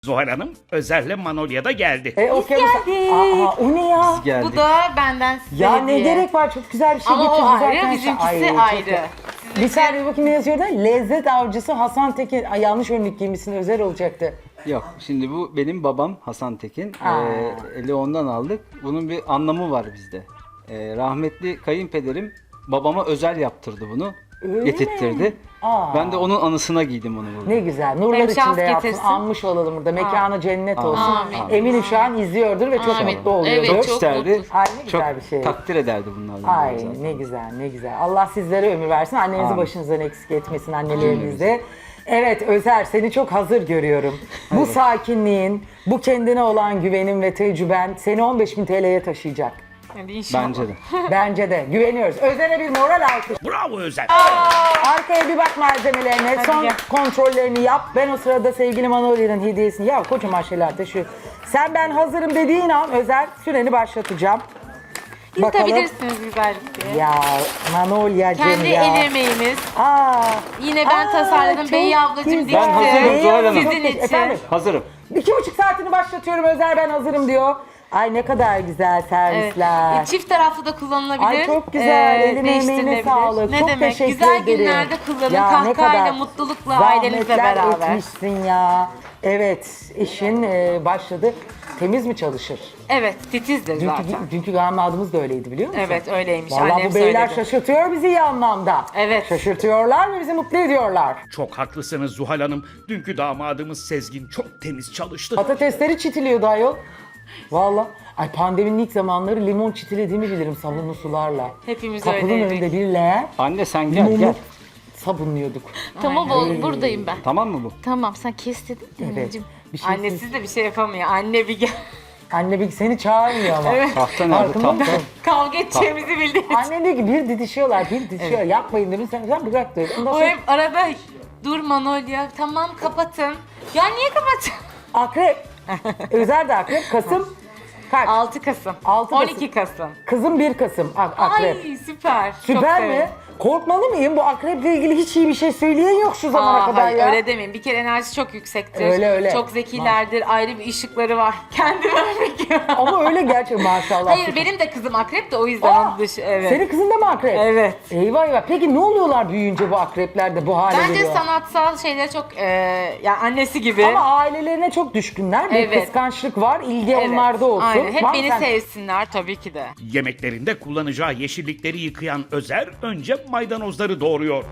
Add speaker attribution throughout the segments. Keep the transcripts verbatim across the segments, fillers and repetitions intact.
Speaker 1: Zuhal Hanım, Özer'le Manolya da geldi.
Speaker 2: E, o
Speaker 3: geldik.
Speaker 2: Aa, o ne ya?
Speaker 4: Biz geldik.
Speaker 3: Bu da benden size
Speaker 2: Ya ne
Speaker 3: hediye.
Speaker 2: gerek var? Çok güzel bir şey
Speaker 3: Ama
Speaker 2: getirdi
Speaker 3: o ayrı,
Speaker 2: zaten.
Speaker 3: bizimkisi
Speaker 2: Ay, çok
Speaker 3: ayrı.
Speaker 2: güzel. Bir saniye bakayım ne yazıyor da? Lezzet avcısı Hasan Tekin. Ay, yanlış önlük giymişsin, Özer olacaktı.
Speaker 4: Yok, şimdi bu benim babam Hasan Tekin.
Speaker 2: Aa.
Speaker 4: Ee, eli ondan aldık. Bunun bir anlamı var bizde. Ee, rahmetli kayınpederim babama özel yaptırdı bunu.
Speaker 2: Öyle
Speaker 4: getirttirdi.
Speaker 2: mi? Aa.
Speaker 4: Ben de onun anısına giydim onu burada.
Speaker 2: Ne güzel. Nurlar
Speaker 3: Hem şans
Speaker 2: içinde yapsın.
Speaker 3: getirsin.
Speaker 2: Anmış olalım burada. Mekanı cennet olsun.
Speaker 3: Amin.
Speaker 2: Eminim şu an izliyordur ve çok
Speaker 3: Amin.
Speaker 2: mutlu oluyordur.
Speaker 3: Evet,
Speaker 4: Çok
Speaker 3: çok
Speaker 4: isterdi.
Speaker 3: mutlu.
Speaker 2: Ay, ne güzel
Speaker 4: çok
Speaker 2: bir şey.
Speaker 4: takdir ederdi bunlardan.
Speaker 2: Ay
Speaker 4: zaten.
Speaker 2: ne güzel ne güzel. Allah sizlere ömür versin. Annenizi
Speaker 4: Amin.
Speaker 2: başınızdan eksik etmesin, annelerinizi. Evet Özer, seni çok hazır görüyorum. Bu sakinliğin, bu kendine olan güvenin ve tecrüben seni on beş bin T L'ye taşıyacak.
Speaker 3: Hadi inşallah.
Speaker 4: Bence de.
Speaker 2: Bence de. Güveniyoruz. Özer'e bir moral alkış.
Speaker 1: Bravo Özer.
Speaker 2: Arkaya bir bak malzemelerine.
Speaker 3: Hadi
Speaker 2: Son
Speaker 3: gel.
Speaker 2: kontrollerini yap. Ben o sırada sevgili Manolya'nın hediyesini... Ya kocaman şeyler taşıyor. Sen ben hazırım dediğin an Özer süreni başlatacağım. Bakalım.
Speaker 3: Yutabilirsiniz güzellikle.
Speaker 2: Ya Manolya'cığım
Speaker 3: Kendi
Speaker 2: ya.
Speaker 3: el emeğimiz.
Speaker 2: Aa,
Speaker 3: Yine ben
Speaker 2: Aa,
Speaker 3: tasarladım.
Speaker 2: çok
Speaker 3: Bey ablacığım
Speaker 2: güzel.
Speaker 3: dikti.
Speaker 4: Ben hazırım Zuhal Hanım.
Speaker 3: Sizin için.
Speaker 2: Efendim?
Speaker 4: Hazırım.
Speaker 2: İki buçuk saatini başlatıyorum Özer, ben hazırım diyor. Ay ne kadar güzel
Speaker 3: Evet.
Speaker 2: servisler.
Speaker 3: E, Çift taraflı da kullanılabilir.
Speaker 2: Ay çok güzel.
Speaker 3: Ee,
Speaker 2: Eline emeğine
Speaker 3: değiştirilebilir.
Speaker 2: sağlık.
Speaker 3: Ne
Speaker 2: çok
Speaker 3: demek?
Speaker 2: teşekkür
Speaker 3: Güzel
Speaker 2: ederim.
Speaker 3: günlerde kullanın.
Speaker 2: Ya ne
Speaker 3: Kahkahayla,
Speaker 2: kadar
Speaker 3: mutlulukla, ailenizle
Speaker 2: zahmetler
Speaker 3: beraber.
Speaker 2: etmişsin ya. Evet, işin e, başladı. Temiz mi çalışır?
Speaker 3: Evet, titizdir
Speaker 2: Dünkü,
Speaker 3: zaten.
Speaker 2: dünkü damadımız da öyleydi biliyor musun?
Speaker 3: Evet, öyleymiş.
Speaker 2: Vallahi
Speaker 3: Annem
Speaker 2: bu beyler
Speaker 3: söyledi.
Speaker 2: şaşırtıyor bizi iyi anlamda.
Speaker 3: Evet.
Speaker 2: Şaşırtıyorlar ve bizi mutlu ediyorlar.
Speaker 1: Çok haklısınız Zuhal Hanım. Dünkü damadımız Sezgin çok temiz çalıştı.
Speaker 2: Patatesleri çitiliyordu ayol. Valla. Ay pandeminin ilk zamanları limon çitilediğimi bilirim sabunlu sularla.
Speaker 3: Hepimiz
Speaker 2: Kapının
Speaker 3: öyleydik.
Speaker 2: önünde bir leğen
Speaker 4: Anne sen gel
Speaker 2: limonu
Speaker 4: gel.
Speaker 2: sabunluyorduk.
Speaker 5: Tamam oğlum buradayım ben.
Speaker 4: Tamam mı bu?
Speaker 5: Tamam sen kes dedin de
Speaker 2: Evet.
Speaker 5: anneciğim.
Speaker 2: Bir şey
Speaker 3: Annesiz de bir şey yapamıyor. Anne bir gel.
Speaker 2: Anne bir seni çağırmıyor ama.
Speaker 4: Tahta nerede?
Speaker 2: Farkında
Speaker 4: Tahta.
Speaker 2: mısın?
Speaker 3: Kavga edeceğimizi bildiği için.
Speaker 2: Anne diyor ki bir didişiyorlar, bir didişiyorlar. Yapmayın dedim, sen, sen bırak diyor. Ondan
Speaker 3: O
Speaker 2: sonra
Speaker 3: hep arada dur Manolya tamam kapatın. Ya niye kapatın?
Speaker 2: akrep. Özer de akrep. Kasım kaç?
Speaker 3: altı Kasım.
Speaker 2: Altı
Speaker 3: on iki Kasım.
Speaker 2: Kızım bir Kasım ak- akrep.
Speaker 3: Ay süper. Çok
Speaker 2: Süper mi?
Speaker 3: severim.
Speaker 2: Korkmalı mıyım? Bu akreple ilgili hiç iyi bir şey söyleyen yok şu zamana
Speaker 3: Aa,
Speaker 2: kadar
Speaker 3: hayır,
Speaker 2: ya.
Speaker 3: öyle demeyin. Bir kere enerjisi çok yüksektir.
Speaker 2: Öyle, öyle.
Speaker 3: Çok zekilerdir. Ayrı bir ışıkları var. Kendime örnek veriyorum.
Speaker 2: Ama öyle gerçekten maşallah.
Speaker 3: Hayır benim de kızım akrep de o yüzden
Speaker 2: Aa,
Speaker 3: onun dışı. Evet.
Speaker 2: Senin kızın da mı akrep?
Speaker 3: Evet.
Speaker 2: Eyvah eyvah. Peki ne oluyorlar büyüyünce bu akrepler de bu hale
Speaker 3: Bence
Speaker 2: geliyor?
Speaker 3: sanatsal şeylere çok e, yani annesi gibi.
Speaker 2: Ama ailelerine çok düşkünler. Bir
Speaker 3: Evet.
Speaker 2: kıskançlık var. İlgi
Speaker 3: Evet,
Speaker 2: onlarda olsun.
Speaker 3: Aynen. Hep
Speaker 2: Var mı
Speaker 3: beni
Speaker 2: sen-
Speaker 3: sevsinler tabii ki de.
Speaker 1: Yemeklerinde kullanacağı yeşillikleri yıkayan Özer önce maydanozları doğruyor.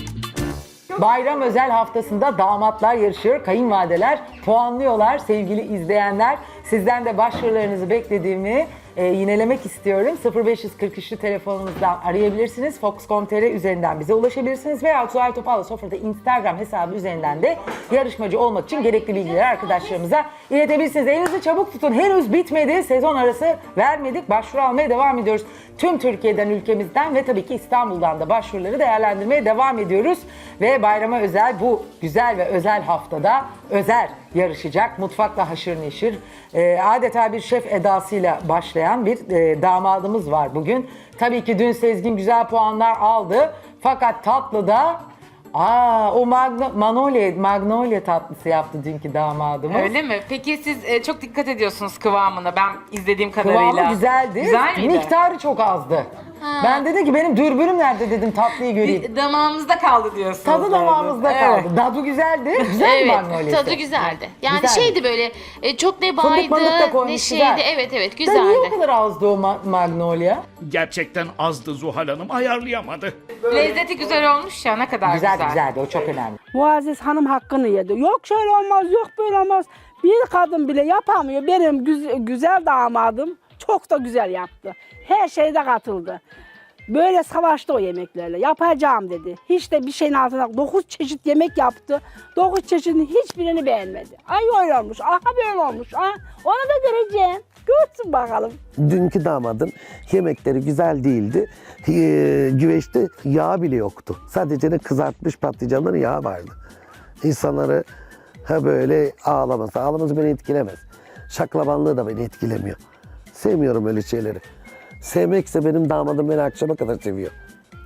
Speaker 2: Bayram özel haftasında damatlar yarışıyor, kayınvalideler puanlıyorlar. Sevgili izleyenler, sizden de başvurularınızı beklediğimi e, yinelemek istiyorum. sıfır beş kırk üçlü telefonumuzdan arayabilirsiniz. fox nokta com nokta tr üzerinden bize ulaşabilirsiniz. Veya Zuhal Topal'la Sofra'da Instagram hesabı üzerinden de yarışmacı olmak için gerekli bilgileri arkadaşlarımıza iletebilirsiniz. Elinizi çabuk tutun. Henüz bitmedi. Sezon arası vermedik. Başvuru almaya devam ediyoruz. Tüm Türkiye'den, ülkemizden ve tabii ki İstanbul'dan da başvuruları değerlendirmeye devam ediyoruz. Ve bayrama özel bu güzel ve özel haftada Özer yarışacak. Mutfakla haşır neşir. Ee, adeta bir şef edasıyla başlayan bir e, damadımız var bugün. Tabii ki dün Sezgin güzel puanlar aldı. Fakat tatlıda aa o Magno, Manolya, Magnolia tatlısı yaptı dünkü damadımız.
Speaker 3: Öyle mi? Peki siz e, çok dikkat ediyorsunuz kıvamına ben izlediğim kadarıyla.
Speaker 2: Kıvamı güzeldi.
Speaker 3: Güzel miydi?
Speaker 2: Miktarı çok azdı. Ben dedim ki benim dürbünüm nerede dedim tatlıyı göreyim.
Speaker 3: Bir damağımızda kaldı diyorsunuz.
Speaker 2: Tadı damağımızda
Speaker 3: Evet.
Speaker 2: kaldı. Tadı güzeldi. Güzel mi
Speaker 5: Evet
Speaker 2: Magnolia'sı?
Speaker 5: tadı güzeldi. Yani
Speaker 2: Güzeldi.
Speaker 5: şeydi böyle e, çok ne
Speaker 2: Fındık mındık da
Speaker 5: baydı
Speaker 2: koymuş,
Speaker 5: ne
Speaker 2: güzel.
Speaker 5: şeydi. Evet evet
Speaker 2: Da niye o
Speaker 5: güzeldi.
Speaker 2: kadar azdı o ma- Magnolia?
Speaker 1: Gerçekten azdı Zuhal Hanım, ayarlayamadı.
Speaker 3: Lezzeti güzel olmuş ya ne kadar güzel.
Speaker 2: Güzel güzeldi o çok önemli.
Speaker 6: Muazzez Hanım hakkını yedi. Yok şöyle olmaz, yok böyle olmaz. Bir kadın bile yapamıyor. Benim güz- güzel damadım çok da güzel yaptı. Her şeyde katıldı. Böyle savaştı o yemeklerle. Yapacağım dedi. Hiç de bir şeyin altına dokuz çeşit yemek yaptı. Dokuz çeşidin hiçbirini beğenmedi. Ay öyle olmuş, aha böyle olmuş. Aha, onu da göreceğim. Görsün bakalım.
Speaker 7: Dünkü damadın yemekleri güzel değildi. Ee, güveçte yağ bile yoktu. Sadece ne kızartmış patlıcanların yağı vardı. İnsanları ha böyle ağlaması. Ağlaması beni etkilemez. Şaklabanlığı da beni etkilemiyor. Sevmiyorum öyle şeyleri. Sevmekse benim damadım beni akşama kadar seviyor.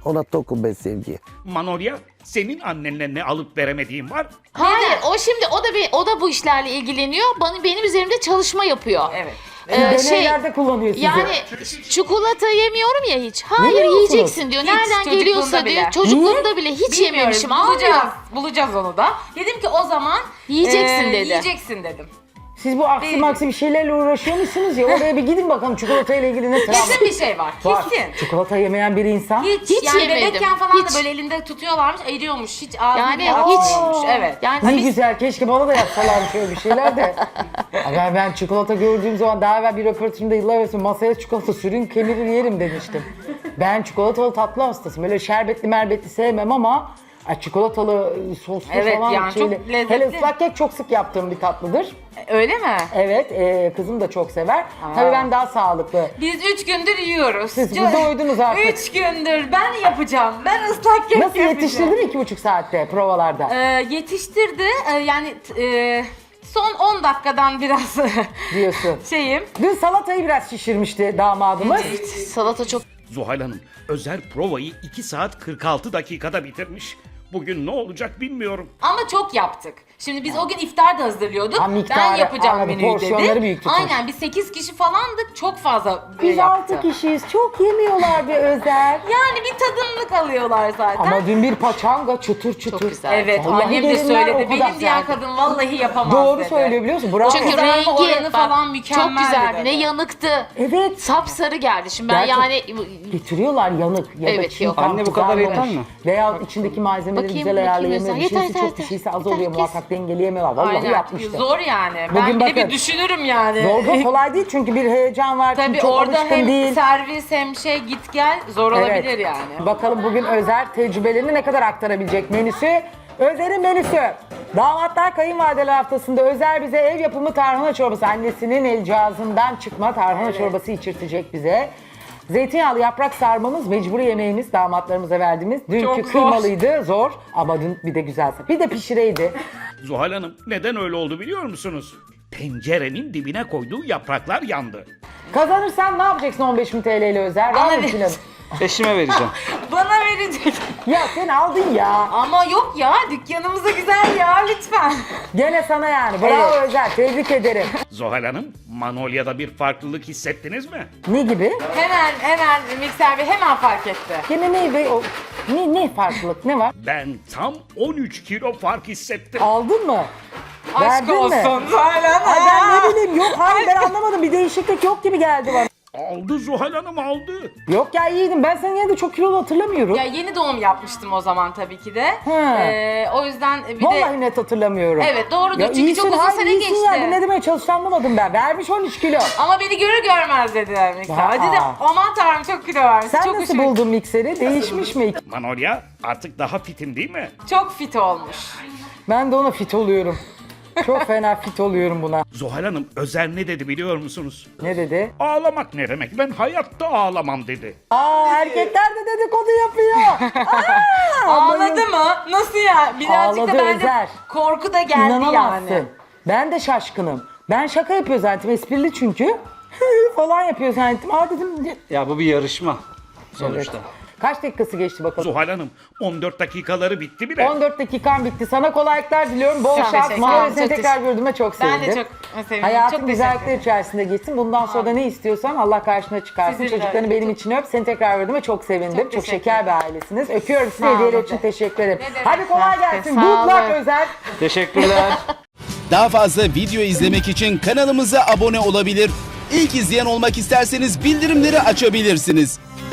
Speaker 7: Ona tokum ben sevgiye.
Speaker 1: Manolya, senin annenle ne alıp veremediğin var?
Speaker 5: Hayır, o şimdi o da bir, o da bu işlerle ilgileniyor. Bana benim üzerimde çalışma yapıyor.
Speaker 2: Evet.
Speaker 5: Ee, şey,
Speaker 2: Deneylerde kullanıyor sizi.
Speaker 5: yani çikolata yemiyorum ya hiç. Hayır,
Speaker 2: Yemiyorsunuz.
Speaker 5: yiyeceksin diyor.
Speaker 3: Hiç,
Speaker 5: Nereden
Speaker 3: çocukluğunda
Speaker 5: geliyorsa
Speaker 3: bile.
Speaker 5: diyor. Çocukluğumda bile hiç
Speaker 3: Bilmiyorum,
Speaker 5: yememişim.
Speaker 3: bulacağız.
Speaker 5: Almıyor.
Speaker 3: Bulacağız onu da. Dedim ki o zaman
Speaker 5: Yiyeceksin
Speaker 3: eee,
Speaker 5: dedi.
Speaker 3: Yiyeceksin dedim.
Speaker 2: Siz bu aksi
Speaker 3: Değil.
Speaker 2: maksi bir şeylerle uğraşıyor musunuz ya? Oraya bir gidin bakalım çikolata ile ilgili ne travma.
Speaker 3: Kesin bir şey var.
Speaker 2: Var.
Speaker 3: Kesin.
Speaker 2: Çikolata yemeyen bir insan.
Speaker 3: Hiç,
Speaker 5: Hiç
Speaker 3: yani
Speaker 5: yemedim.
Speaker 3: bebekken falan
Speaker 5: Hiç.
Speaker 3: da böyle elinde tutuyorlarmış, eriyormuş. Hiç ağzına
Speaker 5: Yani
Speaker 3: bile
Speaker 5: hiç.
Speaker 3: atmıyormuş. Evet.
Speaker 5: Yani
Speaker 2: Ne
Speaker 5: biz-
Speaker 2: güzel, keşke bana da yapsalar şöyle bir şeyler de. ben, ben çikolata gördüğüm zaman daha evvel bir röportajımda yıllar evvel masaya çikolata sürün kemirir yerim demiştim. Ben çikolatalı tatlı hastasıyım. Böyle şerbetli merbetli sevmem ama ay, çikolatalı soslu
Speaker 3: Evet,
Speaker 2: falan
Speaker 3: yani çok
Speaker 2: şeyli.
Speaker 3: lezzetli.
Speaker 2: Hele ıslak kek çok sık yaptığım bir tatlıdır.
Speaker 3: Öyle mi?
Speaker 2: Evet, e, kızım da çok sever. Tabii ben daha sağlıklı.
Speaker 3: Biz üç gündür yiyoruz.
Speaker 2: Siz bize doydunuz artık.
Speaker 3: Üç gündür ben yapacağım. Ben ıslak kek
Speaker 2: Nasıl
Speaker 3: yapacağım.
Speaker 2: yetiştirdin iki buçuk saatte provalarda?
Speaker 3: Ee, yetiştirdi. Ee, yani t- e, son on dakikadan biraz
Speaker 2: Diyorsun.
Speaker 3: şeyim.
Speaker 2: Dün salatayı biraz şişirmişti damadımız.
Speaker 5: salata çok
Speaker 1: Zuhal Hanım, Özer provayı iki saat kırk altı dakikada bitirmiş. Bugün ne olacak bilmiyorum.
Speaker 3: Ama çok yaptık. Şimdi biz o gün iftar da hazırlıyorduk.
Speaker 2: Ha, miktarı,
Speaker 3: ben yapacağım
Speaker 2: anladım.
Speaker 3: menüyü
Speaker 2: Porsiyonları
Speaker 3: dedi.
Speaker 2: büyük tutmuş.
Speaker 3: Aynen biz sekiz kişi falandık. Çok fazla e,
Speaker 2: Biz
Speaker 3: yaptı.
Speaker 2: altı kişiyiz. Çok yemiyorlar bir Özer.
Speaker 3: Yani bir tadımlık alıyorlar zaten.
Speaker 2: Ama dün bir paçanga çıtır çıtır.
Speaker 5: Çok güzel.
Speaker 3: Evet,
Speaker 2: Vallahi
Speaker 3: annem de
Speaker 2: gelinler o
Speaker 3: söyledi.
Speaker 2: kadar
Speaker 3: Benim diyen
Speaker 2: güzeldi.
Speaker 3: kadın vallahi yapamaz
Speaker 2: Doğru
Speaker 3: dedi.
Speaker 2: söylüyor biliyor musun? Bravo.
Speaker 5: çünkü
Speaker 3: kızarma
Speaker 5: rengi
Speaker 3: oranı
Speaker 5: bak,
Speaker 3: falan mükemmel
Speaker 5: çok güzeldi.
Speaker 3: dedi.
Speaker 5: Ne yanıktı.
Speaker 2: Evet.
Speaker 5: Sapsarı geldi. Şimdi ben
Speaker 2: Gerçek-
Speaker 5: yani
Speaker 2: Getiriyorlar yanık ya da
Speaker 5: Evet,
Speaker 2: çiğ
Speaker 5: yok.
Speaker 2: tam
Speaker 4: Anne, bu kadar
Speaker 2: kızarmamış.
Speaker 4: yeter mi?
Speaker 2: Veya içindeki malzemeleri
Speaker 5: Bakayım,
Speaker 2: güzel
Speaker 5: bakayım
Speaker 2: ayarlayamıyor.
Speaker 5: Özer.
Speaker 2: Bir şeysi
Speaker 5: Yeter,
Speaker 2: çok
Speaker 5: yeter,
Speaker 2: bir şeysi
Speaker 5: yeter.
Speaker 2: az oluyor.
Speaker 5: Kes.
Speaker 2: Muhakkak dengeleyemiyorlar. Vallahi
Speaker 3: Aynen.
Speaker 2: yapmıştır.
Speaker 3: Zor yani.
Speaker 2: Bugün
Speaker 3: ben bir de
Speaker 2: bakın.
Speaker 3: bir düşünürüm yani.
Speaker 2: Zor da kolay değil çünkü bir heyecan var. çünkü
Speaker 3: Tabii
Speaker 2: çok
Speaker 3: orada
Speaker 2: alışkın
Speaker 3: hem
Speaker 2: değil.
Speaker 3: servis hem şey git gel zor olabilir yani.
Speaker 2: Bakalım bugün Özer tecrübelerini ne kadar aktarabilecek menüsü. Özer'in menüsü. Damatlar kayınvalideler haftasında Özer bize ev yapımı tarhana çorbası. Annesinin el cihazından çıkma tarhana çorbası içirtecek bize. Zeytinyağlı yaprak sarmamız mecburi yemeğimiz damatlarımıza verdiğimiz. Dünkü
Speaker 3: Çok zor.
Speaker 2: kıymalıydı zor ama dün bir de güzel. Bir de pişireydi.
Speaker 1: Zuhal Hanım, neden öyle oldu biliyor musunuz? Tencerenin dibine koyduğu yapraklar yandı.
Speaker 2: Kazanırsan ne yapacaksın on beş bin T L ile Özer? Var
Speaker 3: Bana
Speaker 2: mı
Speaker 3: ver.
Speaker 2: planın?
Speaker 4: Eşime vereceğim.
Speaker 3: Bana verecek.
Speaker 2: Ya sen aldın ya.
Speaker 3: Ama yok ya dükkanımıza güzel ya lütfen.
Speaker 2: Gene sana yani. Bravo
Speaker 3: Evet.
Speaker 2: Özer. Tebrik ederim.
Speaker 1: Zuhal Hanım, Manolya'da bir farklılık hissettiniz mi?
Speaker 2: Ne gibi?
Speaker 3: Hemen hemen mikser bey hemen fark etti.
Speaker 2: Gene ne be? O, ne, ne farklılık? Ne var?
Speaker 1: Ben tam on üç kilo fark hissettim.
Speaker 2: Aldın mı?
Speaker 3: Aşk
Speaker 2: Verdin mi?
Speaker 3: olsun Zuhal
Speaker 2: Ay ben
Speaker 3: Hanım.
Speaker 2: ne bileyim yok hayır ben anlamadım bir değişiklik yok gibi geldi bana.
Speaker 1: Aldı Zuhal Hanım, aldı.
Speaker 2: Yok ya iyiydim ben seni yine de çok kilolu hatırlamıyorum.
Speaker 3: Ya yeni doğum yapmıştım o zaman tabii ki de.
Speaker 2: Ha.
Speaker 3: Ee, o yüzden bir
Speaker 2: Vallahi
Speaker 3: de
Speaker 2: net hatırlamıyorum.
Speaker 3: Evet, doğrudur.
Speaker 2: Ya
Speaker 3: Çünkü
Speaker 2: iyisin,
Speaker 3: çok uzun
Speaker 2: hayır,
Speaker 3: sene
Speaker 2: iyisin
Speaker 3: geçti.
Speaker 2: Ya. Ne demeye çalıştığını anlamadım ben. Vermiş on üç kilo.
Speaker 3: ama beni görür görmez dediler mikser.
Speaker 2: Aa.
Speaker 3: Hadi de aman tanrım çok kilo vermiş.
Speaker 2: Sen
Speaker 3: çok
Speaker 2: nasıl
Speaker 3: hoşuma-
Speaker 2: buldun mikseri? Değişmiş mi?
Speaker 1: Manolya artık daha fitin değil mi?
Speaker 3: Çok fit olmuş.
Speaker 2: Ben de ona fit oluyorum. Çok fena fit oluyorum buna.
Speaker 1: Zuhal Hanım, Özer ne dedi biliyor musunuz?
Speaker 2: Ne dedi?
Speaker 1: Ağlamak ne demek? Ben hayatta ağlamam dedi.
Speaker 2: Aa erkekler de dedikodu yapıyor. Aa,
Speaker 3: Ağladı mı? Nasıl ya? Birazcık
Speaker 2: Ağladı
Speaker 3: da bence
Speaker 2: Özer.
Speaker 3: korku da geldi
Speaker 2: İnanamazsın.
Speaker 3: yani.
Speaker 2: Ben de şaşkınım. Ben şaka yapıyor zannettim. Esprili çünkü. falan yapıyor zannettim. Aa dedim.
Speaker 4: Ya bu bir yarışma sonuçta.
Speaker 2: Kaç dakikası geçti bakalım?
Speaker 1: Zuhal Hanım, on dört dakikaları bitti bile.
Speaker 2: on dört dakikan bitti. Sana kolaylıklar diliyorum. Bol
Speaker 3: Çok
Speaker 2: şans.
Speaker 3: teşekkür
Speaker 2: Mağara
Speaker 3: ederim.
Speaker 2: seni
Speaker 3: Çok
Speaker 2: tekrar gördüğüme çok
Speaker 3: Ben
Speaker 2: sevindim.
Speaker 3: de çok sevindim.
Speaker 2: Hayatın
Speaker 3: Çok
Speaker 2: güzellikler
Speaker 3: teşekkür
Speaker 2: içerisinde geçsin. Bundan sonra da ne istiyorsan Allah karşına çıkarsın.
Speaker 3: Sizin de
Speaker 2: Çocuklarını
Speaker 3: öyle.
Speaker 2: benim için öp. Seni tekrar gördüğüme çok sevindim. Çok,
Speaker 3: Çok teşekkür
Speaker 2: şeker bir ailesiniz. Öpüyorum sizi.
Speaker 3: Sağ olun.
Speaker 2: Hediyeler için teşekkür ederim.
Speaker 3: Ne demek.
Speaker 2: Hadi kolay
Speaker 5: Sağ
Speaker 2: gelsin.
Speaker 5: olun.
Speaker 2: Good luck Özer.
Speaker 4: Teşekkürler.
Speaker 8: Daha fazla video izlemek için kanalımıza abone olabilir. İlk izleyen olmak isterseniz bildirimleri açabilirsiniz.